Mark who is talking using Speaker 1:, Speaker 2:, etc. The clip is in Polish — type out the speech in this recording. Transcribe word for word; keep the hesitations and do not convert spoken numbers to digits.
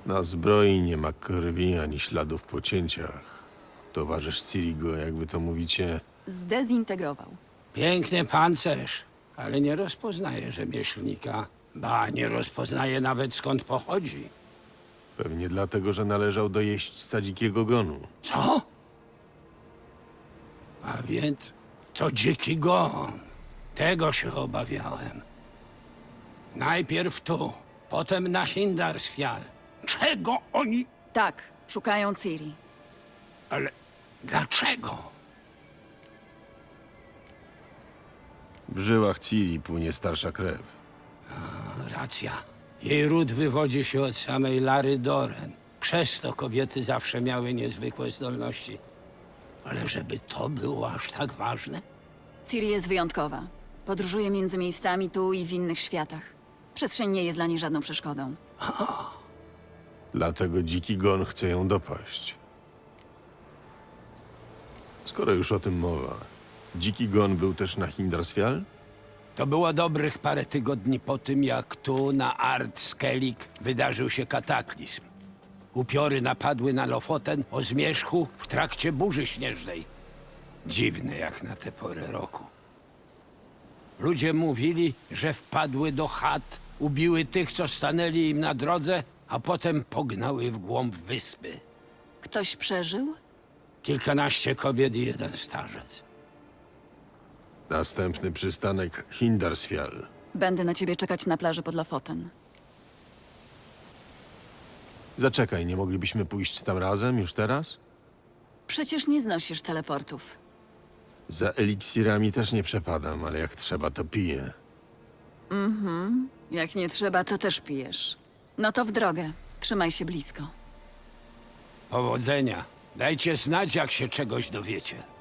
Speaker 1: Na zbroi nie ma krwi ani śladów po cięciach. Towarzysz Cirigo, jak wy to mówicie,
Speaker 2: Zdezintegrował.
Speaker 3: Piękny pancerz, ale nie rozpoznaje rzemieślnika. Ba, nie rozpoznaje nawet skąd pochodzi.
Speaker 1: pewnie dlatego, że należał do jeźdźca dzikiego gonu.
Speaker 3: Co? A więc to dziki gon. Tego się obawiałem. Najpierw tu, potem na Hindarsfjall. Czego oni...
Speaker 2: Tak, szukają Ciri.
Speaker 3: Ale dlaczego?
Speaker 1: W żyłach Ciri płynie starsza krew.
Speaker 3: Racja. Jej ród wywodzi się od samej Lary Doren. Przez to kobiety zawsze miały niezwykłe zdolności. Ale żeby to było aż tak ważne?
Speaker 2: Ciri jest wyjątkowa. Podróżuje między miejscami tu i w innych światach. Przestrzeń nie jest dla niej żadną przeszkodą.
Speaker 1: Dlatego dziki gon chce ją dopaść. Skoro już o tym mowa, dziki gon był też na Hindarsfjall?
Speaker 3: To było dobrych parę tygodni po tym, jak tu na Ard Skellig wydarzył się kataklizm. Upiory napadły na Lofoten o zmierzchu w trakcie burzy śnieżnej. Dziwne jak na tę porę roku. Ludzie mówili, że wpadły do chat, ubiły tych, co stanęli im na drodze, a potem pognały w głąb wyspy.
Speaker 2: Ktoś przeżył?
Speaker 3: Kilkanaście kobiet i jeden starzec.
Speaker 1: Następny przystanek Hindarsfjall.
Speaker 2: Będę na ciebie czekać na plaży pod Lofoten.
Speaker 1: Zaczekaj, nie moglibyśmy pójść tam razem już teraz?
Speaker 2: Przecież nie znosisz teleportów.
Speaker 1: Za eliksirami też nie przepadam, ale jak trzeba, to piję.
Speaker 2: Jak nie trzeba, to też pijesz. No to w drogę. Trzymaj się blisko.
Speaker 3: Powodzenia. Dajcie znać, jak się czegoś dowiecie.